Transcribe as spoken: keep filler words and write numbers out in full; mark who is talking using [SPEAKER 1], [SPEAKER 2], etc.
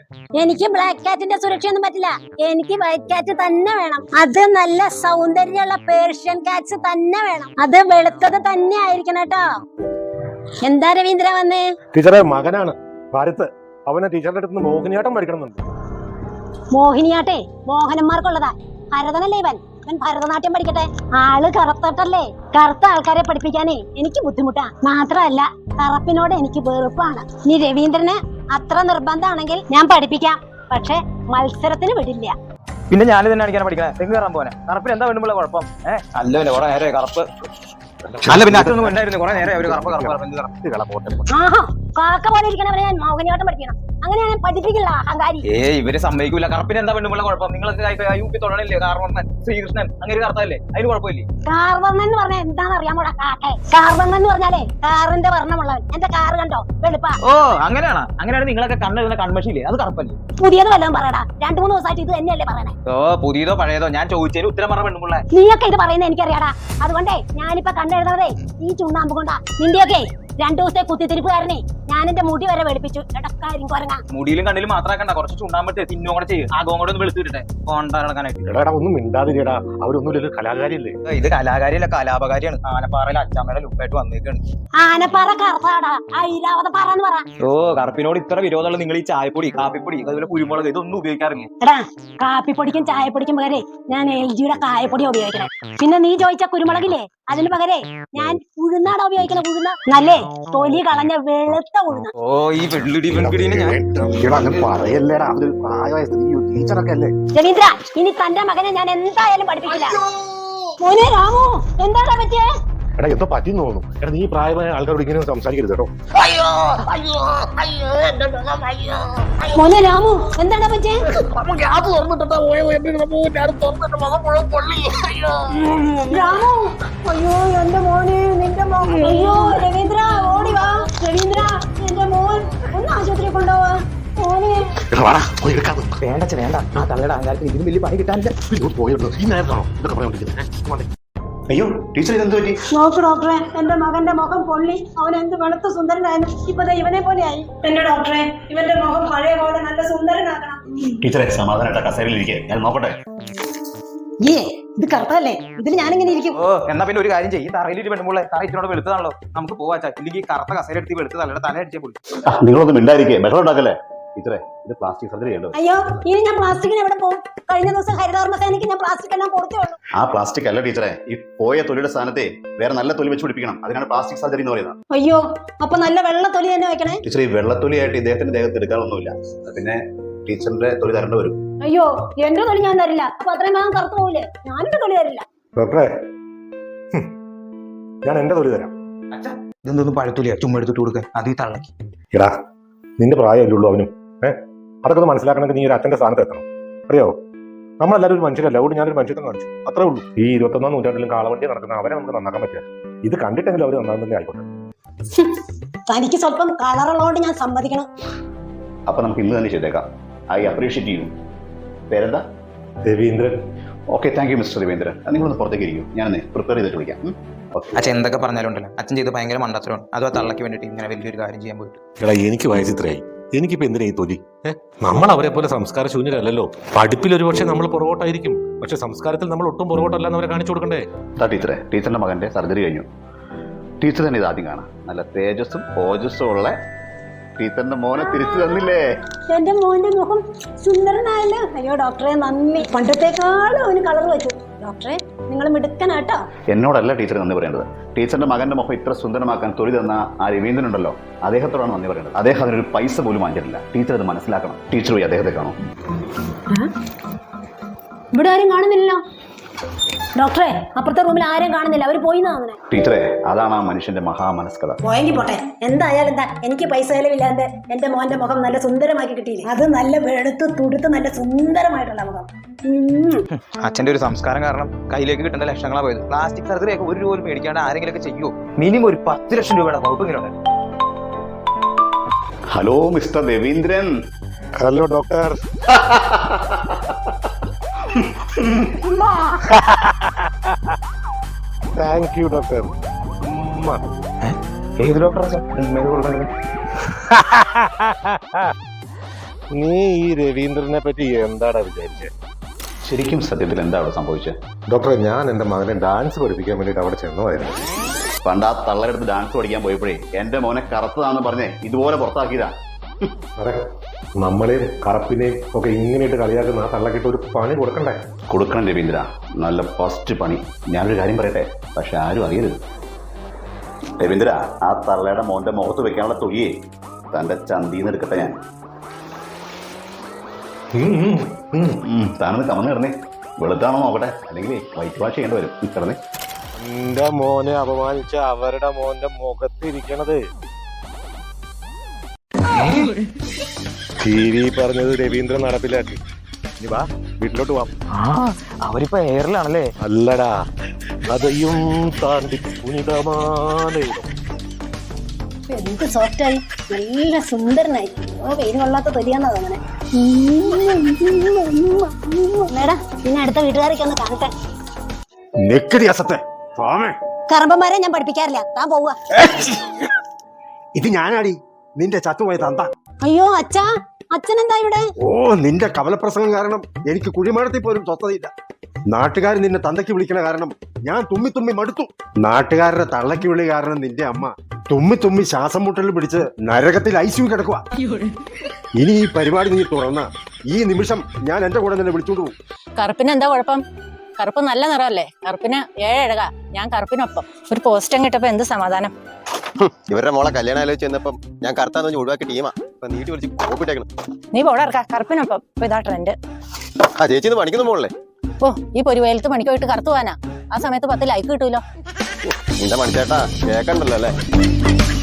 [SPEAKER 1] എനിക്ക് ബ്ലാക്ക് കാറ്റിന്റെ സുരക്ഷയൊന്നും പറ്റില്ല. എനിക്ക് വൈറ്റ് കാറ്റ് തന്നെ വേണം. അത് നല്ല സൗന്ദര്യമുള്ള പേർഷ്യൻ കാറ്റ്സ് തന്നെ വേണം. അത് വെളുത്തത് തന്നെ ആയിരിക്കണം കേട്ടോ. എന്താ രവീന്ദ്ര വന്നേ?
[SPEAKER 2] ടീച്ചറെ മകനാണ് ഭാരത്. അവനെ ടീച്ചറുടെ അടുത്ത് മോഹിനിയാട്ടം പഠിക്കണമെന്നുണ്ട്.
[SPEAKER 1] മോഹിനിയാട്ടെ മോഹനന്മാർക്കുള്ളതാ. ഭരതനല്ലേ ഇവൻ. ഇവൻ ഭരതനാട്യം പഠിക്കട്ടെ. ആള് കറുത്തട്ടല്ലേ. കറുത്ത ആൾക്കാരെ പഠിപ്പിക്കാനേ എനിക്ക് ബുദ്ധിമുട്ടാ. മാത്രമല്ല കറുപ്പിനോട് എനിക്ക് വെറുപ്പാണ്. ഇനി രവീന്ദ്രന് അത്ര നിർബന്ധമാണെങ്കിൽ ഞാൻ പഠിപ്പിക്കാം. പക്ഷെ മത്സരത്തിന് വിടില്ല.
[SPEAKER 3] പിന്നെ ഞാൻ തന്നെ അടിക്കാൻ പഠിക്കണേ. തെങ്ങ് കയറാൻ പോനെ. കറുപ്പിന് എന്താ വേണ്ടുമ്പോൾ കുഴപ്പം? ഏഹ് അല്ല കുറെ നേരെ കറുപ്പ് അല്ല പിന്നെ അതൊന്നും ഉണ്ടായിരുന്നു. കുറെ നേരെ ഒരു കറുപ്പ് കറുപ്പ്
[SPEAKER 1] ആഹാ കാക്ക പോലെ ഇരിക്കണവരെ ഞാൻ മോഹിനിയാട്ടം പഠിക്കണം. അങ്ങനെ ഞാൻ പഠിപ്പിക്കില്ല അഹങ്കാരി.
[SPEAKER 3] ഏ ഇവര് സമ്മതിക്കൂല. കറുപ്പിന് എന്താ വേണ്ടുമ്പോൾ കുഴപ്പം? നിങ്ങൾക്ക് യു പി തൊടണില്ലേ? കാർവർണ്ണൻ ശ്രീകൃഷ്ണൻ അങ്ങനെ കറുത്തല്ലേ? അതിന് കുഴപ്പമില്ലേ?
[SPEAKER 1] കാർവർണ്ണൻ എന്ന് പറഞ്ഞാൽ എന്താന്ന് അറിയാമോടാ കാക്കെ? കാർവർണ്ണൻ എന്ന് പറഞ്ഞാലേ കാറിന്റെ വർണ്ണമുള്ളവൻ. എന്റെ കാറ് കണ്ടോ വെളുപ്പാ.
[SPEAKER 3] ഓ അങ്ങനെയാണ്. അങ്ങനെയാണ് നിങ്ങളൊക്കെ കണ്ണെഴുതുന്ന കൺമഷിയില്ലേ? അത് കറുപ്പല്ലേ?
[SPEAKER 1] പുതിയത് വല്ലതും പറയടാ. രണ്ടു മൂന്ന് ദിവസമായിട്ട് ഇത് തന്നെയല്ലേ പറയണേ.
[SPEAKER 3] ഓ പുതിയതോ പഴയതോ ഞാൻ ചോദിച്ചതിന് ഉത്തരം പറ വേണ്ടുമ്പോൾ.
[SPEAKER 1] നീയൊക്കെ ഇത് പറയുന്നത് എനിക്കറിയാടാ. അതുകൊണ്ടേ ഞാനിപ്പോ കണ്ടെഴുതുന്നതേ ഈ ചുണ്ണാമ്പ് കൊണ്ടാ. നിന്റെയൊക്കെ രണ്ടു ദിവസത്തെ കുത്തിത്തിരിപ്പുകാരനെ ഞാൻ എന്റെ മുടി വരെ വെളുപ്പിച്ചു.
[SPEAKER 3] മുടിയിലും കണ്ണിലും മാത്രമാക്കണ്ട. കുറച്ച് ചുണ്ടാമ്പത്തെ തിന്നോ കൂടെ ചെയ്യും. ആകോ കൂടെ ഒന്ന് വെളുത്തു വിട്ടെ കൊണ്ടാക്കാനായിട്ട്.
[SPEAKER 2] ഒന്നും മിണ്ടാതിരിടാ. അവരൊന്നും കലാകാരിയല്ലേ.
[SPEAKER 3] ഇത് കലാകാരിയല്ല കലാപകാരിയാണ്. ആനപ്പാറയിൽ അച്ചാമ്മയുടെ ലുക്കായിട്ട് വന്നേക്കാണ്.
[SPEAKER 1] ആനപ്പാറ കറുപ്പാടാ. ഐരാവത പാറ എന്ന് പറ.
[SPEAKER 3] ഓ കറുപ്പിനോട് ഇത്ര വിരോധമുള്ള നിങ്ങൾ ഈ ചായപ്പൊടി കാപ്പിപ്പൊടി അതുപോലെ കുരുമുളക് ഇതൊന്നും ഉപയോഗിക്കാറില്ല.
[SPEAKER 1] എടാ കാപ്പിപ്പൊടിക്കും ചായപ്പൊടിക്കും പകരേ ഞാൻ എൽ ജിയുടെ കായപ്പൊടി ഉപയോഗിക്കണേ. പിന്നെ നീ ചോദിച്ച കുരുമുളകില്ലേ അതിന് പകരേ ഞാൻ ഉഴുന്നാടാ ഉപയോഗിക്കണ. ഉഴുന്ന നല്ലേ തൊലി കളഞ്ഞ വെളുത്ത ഉഴുന്ന.
[SPEAKER 3] ഓ ഈ വെള്ളിടി വെൺകിടീനെ ഞാൻ
[SPEAKER 2] പറയല്ലേടാ. ടീച്ചറൊക്കെ അല്ലേ.
[SPEAKER 1] രവീന്ദ്ര ഇനി തന്റെ മകനെ ഞാൻ എന്തായാലും പഠിപ്പിക്കില്ല. മോനെ രാമു എന്താടാ പറ്റിയേ?
[SPEAKER 2] എടാ എന്തോ പറ്റിന്ന് തോന്നുന്നു. എടാ നീ പ്രായമായ ആൾക്കാരോട് ഇങ്ങനെ സംസാരിക്കരുത് കേട്ടോ.
[SPEAKER 1] മോനെ രാമു എന്താടാ പറ്റിയേ? രാമു അയ്യോ എന്റെ മോനെ നിന്റെ മോൻ. അയ്യോ രവീന്ദ്ര ഓടി വാ. രവീന്ദ്ര എന്റെ മോൻ ഒന്ന് ആശുപത്രി കൊണ്ടുപോവാ. മോനെ
[SPEAKER 3] വേണ്ട വേണ്ട. ആ തള്ളയുടെ അഹങ്കാരത്തിന് ഇതിന് വലിയ പണി കിട്ടാനില്ല.
[SPEAKER 2] പോയുള്ളൂ ഈ നേരത്താണോ ഇതൊക്കെ പറഞ്ഞോണ്ടിരിക്കുന്നത്? അയ്യോ ടീച്ചർ ഇതെന്ത് പറ്റി?
[SPEAKER 1] നോക്ക് ഡോക്ടറെ എന്റെ മകന്റെ മുഖം പൊള്ളി. അവൻ എന്ത് വെളുത്ത സുന്ദരനായിരുന്നു. ഇപ്പൊ ഇവനെ പോലെയായി. എന്റെ ഡോക്ടറെ ഇവന്റെ മുഖം പഴയ പോലെ നല്ല സുന്ദരനാക്കണം.
[SPEAKER 2] ടീച്ചറെ സമാധാനമായിട്ട് കസേരയിലിരിക്കെ ഞാൻ നോക്കട്ടെ.
[SPEAKER 1] ഏ ഇത് കറുത്തല്ലേ. ഇതിൽ ഞാനിങ്ങനെ ഇരിക്കും.
[SPEAKER 3] ഓ എന്നാ പിന്നെ ഒരു കാര്യം ചെയ്യും. തറയിലിട്ട് പെണ്ണുമ്പോൾ തറ ഇച്ചിനോട് വെളുത്തതാണല്ലോ. നമുക്ക് പോവാ. ഇല്ലെങ്കിൽ കറുത്ത കസേര എടുത്ത് വെളുത്ത് തലയുടെ തല അടിച്ചേ പൊളി.
[SPEAKER 2] നിങ്ങളൊന്നും മിണ്ടായിരിക്കേ. ബഹളം ഉണ്ടാക്കല്ലേ. ടീച്ചറെ ഇത് പ്ലാസ്റ്റിക് സർജറി ചെയ്യണ്ടോ?
[SPEAKER 1] അയ്യോ ഇനി ഞാൻ പ്ലാസ്റ്റിക്കിന് എവിടെ പോകും? കഴിഞ്ഞ ദിവസം ഹരിതകർമ്മസേനയ്ക്ക് ഞാൻ പ്ലാസ്റ്റിക് എല്ലാം കൊടുത്തേ ഉള്ളൂ.
[SPEAKER 2] ആ പ്ലാസ്റ്റിക് അല്ല ടീച്ചറെ. ഈ പോയ തൊലിയുടെ സ്ഥാനത്തെ വേറെ നല്ല തൊലി വെച്ച് പിടിപ്പിക്കണം. അതിനാണ് പ്ലാസ്റ്റിക് സർജറി എന്ന് പറയുന്നത്.
[SPEAKER 1] അയ്യോ അപ്പൊ നല്ല വെള്ള തൊലി തന്നെ വെക്കണേ.
[SPEAKER 2] ടീച്ചർ ഈ വെള്ളത്തൊലിയായിട്ട് ഇദ്ദേഹത്തിന്റെ ദേഹത്ത് എടുക്കാനൊന്നുമില്ല. പിന്നെ ടീച്ചറിന്റെ തൊലി തരേണ്ടി വരും.
[SPEAKER 1] അയ്യോ എന്റെ തൊലി ഞാൻ തരില്ല. അപ്പൊ അത്രയും ഭാഗം കറുത്തു പോകില്ലേ? ഞാനെന്റെ തൊലി തരില്ല.
[SPEAKER 2] ഡോക്ടറെ ഞാൻ എന്റെ തൊലി തരാം.
[SPEAKER 3] ഇതൊന്നും പഴത്തൊലിയാ ചുമ്മാ എടുത്തിട്ട് കൊടുക്കാൻ. അത് ഈ തള്ളക്ക്.
[SPEAKER 2] എടാ നിന്റെ പ്രായമല്ലേ ഉള്ളൂ അവനും. ഏഹ് അതൊക്കെ ഒന്ന് മനസ്സിലാക്കണമെങ്കിൽ നീ ഒരു അച്ഛന്റെ സ്ഥാനത്ത് എത്തണം. അറിയാവോ നമ്മളെല്ലാവരും ഒരു മനുഷ്യരല്ല. അതുകൊണ്ട് ഞാനൊരു മനുഷ്യത്വം കാണിച്ചു അത്രേ ഉള്ളൂ. ഈ ഇരുപത്തൊന്നാം നൂറ്റാണ്ടിലും കാളവണ്ടി നടക്കുന്ന അവരെ നമുക്ക് നന്നാക്കാൻ പറ്റില്ല. ഇത് കണ്ടിട്ടെങ്കിലും അവർ നന്നാകുന്നതന്നെ ആയിക്കോട്ടെ.
[SPEAKER 1] തനിക്ക് സ്വല്പം കളറുള്ളതുകൊണ്ട് ഞാൻ സമ്മതിക്കണം.
[SPEAKER 2] അപ്പൊ നമുക്ക് ഇന്ന് തന്നെ ചെയ്തേക്കാം. I appreciate you. പേരെന്താ? Raveendran. Okay thank you mister Raveendran. നിങ്ങളൊന്ന് പുറത്തേക്ക് ഇരിക്കും. ഞാനൊന്ന് പ്രിപ്പയർ ചെയ്തിട്ട് വിളിക്കാം.
[SPEAKER 3] അച്ഛൻ എന്തൊക്കെ പറഞ്ഞാലും ഉണ്ടല്ലോ അച്ഛൻ ചെയ്ത് ഭയങ്കര മണ്ടത്തരമാണ്. അതോ തള്ളക്ക് വേണ്ടിട്ട് ഇങ്ങനെ വലിയൊരു കാര്യം ചെയ്യാൻ പോയിട്ട്.
[SPEAKER 4] എടാ എനിക്ക് വയസ്സിത്രയായി. എനിക്കിപ്പോ എന്തിനാ ഈ തൊലി? ഏഹ് നമ്മൾ അവരെ പോലെ സംസ്കാര ശൂന്യരല്ലല്ലോ. പഠിപ്പിൽ ഒരു പക്ഷേ നമ്മൾ പുറകോട്ടായിരിക്കും. പക്ഷെ സംസ്കാരത്തിൽ നമ്മൾ ഒട്ടും പുറകോട്ടല്ലെന്ന് അവരെ കാണിച്ചു കൊടുക്കണ്ടേ?
[SPEAKER 2] ടീച്ചറെ ടീച്ചറിന്റെ മകന്റെ സർജറി കഴിഞ്ഞു. ടീച്ചർ തന്നെ ഇത് ആദ്യം കാണാം. നല്ല തേജസ്സും ഓജസ്സും ഉള്ള ടീച്ചറിന്റെ മോനെ തിരിച്ചു തന്നില്ലേ?
[SPEAKER 1] എന്റെ മോന്റെ മുഖം സുന്ദരനായല്ലോ. അയ്യോ ഡോക്ടറെ നന്ദി. പണ്ടത്തേക്കാളും അവന് കളർ വെച്ചു. ഡോക്ടറെ നിങ്ങൾ മിടുക്കനാട്ടോ.
[SPEAKER 2] എന്നോടല്ല ടീച്ചർ നന്ദി പറയേണ്ടത്. ടീച്ചറിന്റെ മകന്റെ മുഖം ഇത്ര സുന്ദരമാക്കാൻ തൊലി തന്ന ആ രവീന്ദ്രൻ ഉണ്ടല്ലോ അദ്ദേഹത്തോടാണ് നന്ദി പറയേണ്ടത്. അദ്ദേഹം അതിനൊരു പൈസ പോലും വാങ്ങിച്ചിട്ടില്ല. ടീച്ചർ അത് മനസ്സിലാക്കണം. ടീച്ചർ പോയി അദ്ദേഹത്തെ കാണും.
[SPEAKER 1] ഇവിടെ ആരും കാണുന്നില്ലല്ലോ ഡോക്ടറെ. അപ്പുറത്തെ റൂമിൽ ആരും കാണുന്നില്ല. അവര് പോയി തോന്നണേ.
[SPEAKER 2] ടീച്ചറെ അതാണ് ആ മനുഷ്യന്റെ മഹാമനസ്കത.
[SPEAKER 1] പോയെങ്കിൽ പോട്ടെ. എന്തായാലും എന്താ എനിക്ക് പൈസ ചെലവില്ലാണ്ട് എന്റെ മോന്റെ മുഖം നല്ല സുന്ദരമാക്കി കിട്ടിയില്ലേ? അത് നല്ല വെളുത്ത് തുടുത്ത് നല്ല സുന്ദരമായിട്ടുള്ള മുഖം.
[SPEAKER 3] അച്ഛന്റെ ഒരു സംസ്കാരം കാരണം കയ്യിലേക്ക് കിട്ടേണ്ട ലക്ഷങ്ങളാ പോയത്. പ്ലാസ്റ്റിക് സർജറി ഒക്കെ ഒരു രൂപ മേടിക്കാണ്ട് ആരെങ്കിലും ഒക്കെ ചെയ്യുമോ? മിനിമം ഒരു പത്ത് ലക്ഷം രൂപയുടെ വകുപ്പ് ഇങ്ങനെ.
[SPEAKER 2] Hello mister Raveendran.
[SPEAKER 4] Hello doctor. Thank you doctor.
[SPEAKER 3] ഏത് ഡോക്ടറാ?
[SPEAKER 2] നീ ഈ രവീന്ദ്രനെ പറ്റി എന്താടാ വിചാരിച്ചേ?
[SPEAKER 5] ശരിക്കും സത്യത്തിൽ എന്താ അവിടെ സംഭവിച്ചത്?
[SPEAKER 2] ഡോക്ടറെ, ഞാൻ എന്റെ മകനെ ഡാൻസ് പഠിപ്പിക്കാൻ വേണ്ടിട്ട് അവിടെ ചെന്നതായിരുന്നു.
[SPEAKER 5] പണ്ട് ആ തള്ളയെടുത്ത് ഡാൻസ് പഠിക്കാൻ പോയപ്പോഴേ എന്റെ മോനെ കറുത്തതാണെന്ന് പറഞ്ഞേ ഇതുപോലെ പുറത്താക്കിയതാ.
[SPEAKER 2] അതെ, നമ്മളെയും കറുപ്പിനെയും ഒക്കെ ഇങ്ങനെയിട്ട് കളിയാക്കുന്ന ആ തള്ളക്കിട്ട് ഒരു പണി കൊടുക്കണ്ടേ?
[SPEAKER 5] കൊടുക്കണം രവീന്ദ്ര, നല്ല ഫസ്റ്റ് പണി. ഞാനൊരു കാര്യം പറയട്ടെ, പക്ഷെ ആരും അറിയരുത്. രവീന്ദ്ര, ആ തള്ളയുടെ മോന്റെ മുഖത്ത് വെക്കാനുള്ള തൊഴിയേ തന്റെ ചന്തീന്ന് എടുക്കട്ടെ ഞാൻ. താനൊന്ന് കമന്ന് കിടന്നേ, വെളുത്താണോ നോക്കട്ടെ, അല്ലെങ്കിൽ വൈറ്റ് വാഷ് ചെയ്യേണ്ടി വരും. കിടന്നേ.
[SPEAKER 2] എന്റെ മോനെ അപമാനിച്ച അവരുടെ മോന്റെ മുഖത്തിരിക്കണത് ടി വി പറഞ്ഞത് രവീന്ദ്രൻ നടപ്പിലാക്കി. ഇനി വാ, വീട്ടിലോട്ട് പോവാം.
[SPEAKER 3] ആ അവരിപ്പോ എയറിലാണല്ലേ?
[SPEAKER 2] അല്ലടാ, അതെയും താണ്ടി പുനിതമാലയിടും.
[SPEAKER 1] എന്ത് സോഫ്റ്റായി, നല്ല സുന്ദരനായി. ഓ വെയിൽ കൊള്ളാത്ത തൊലിയാന്നാ തോന്നണേ. മേടാ, പിന്നെ അടുത്ത വീട്ടുകാരൊക്കെ ഒന്ന് കാണട്ടെ.
[SPEAKER 6] നെക്കടി അസത്തെ
[SPEAKER 1] കറമ്പന്മാരെ ഞാൻ പഠിപ്പിക്കാറില്ല, താൻ പോവുക.
[SPEAKER 6] ഇത് ഞാനാടി നിന്റെ ചത്തുപോയ തന്ത.
[SPEAKER 1] അയ്യോ അച്ഛാ, അച്ഛൻ എന്താ ഇവിടെ?
[SPEAKER 6] ഓ, നിന്റെ കവലപ്രസംഗം കാരണം എനിക്ക് കുഴിമാടത്തിൽ പോലും സ്വസ്ഥതയില്ല. നാട്ടുകാർ നിന്നെ തന്തയ്ക്ക് വിളിക്കണ കാരണം ഞാൻ തുമ്മി തുമ്മി മടുത്തു. നാട്ടുകാരുടെ തള്ളയ്ക്ക് വിളി കാരണം നിന്റെ അമ്മ തുമ്മി തുമ്മി ശ്വാസം മുട്ടൽ പിടിച്ച് നരകത്തിൽ ഐസിയു കിടക്കുക. ഇനി ഈ പരിപാടി നീ തുറന്ന ഈ നിമിഷം ഞാൻ എന്റെ കൂടെ നിന്നെ വിളിച്ചോണ്ട് പോകും.
[SPEAKER 7] കറുപ്പിന് എന്താ കുഴപ്പം? കറുപ്പ് നല്ല നിറമല്ലേ? കറുപ്പിന് ഏഴഴക, ഞാൻ കറുപ്പിനൊപ്പം. ഒരു പോസ്റ്റം കിട്ടപ്പോ എന്ത് സമാധാനം.
[SPEAKER 8] ഇവരുടെ മോളെ കല്യാണം ആലോചിച്ച് ചെന്നപ്പം ഞാൻ കറുത്താന്ന് വെച്ച് ഒഴിവാക്കി ടീമാ. ഇപ്പൊ നീട്ടി വിളിച്ച് കോപ്പിട്ടേക്കണം.
[SPEAKER 7] നീ പോടാർക്ക, കറുപ്പിനൊപ്പം. ഇപ്പൊ ഇതാ ട്രെൻഡ്.
[SPEAKER 8] ആ ചേച്ചി ഇന്ന് പണിക്കുന്ന മോളല്ലേ?
[SPEAKER 7] ഓ, ഈ പൊരുവേലത്ത് പണിക്ക് പോയിട്ട് കറുത്തു പോവാനാ? ആ സമയത്ത് പത്ത് ലൈക്ക് കിട്ടൂലോ.
[SPEAKER 8] നിന്റെ മണിച്ചേട്ടാ കേക്കണ്ടല്ലോ അല്ലേ?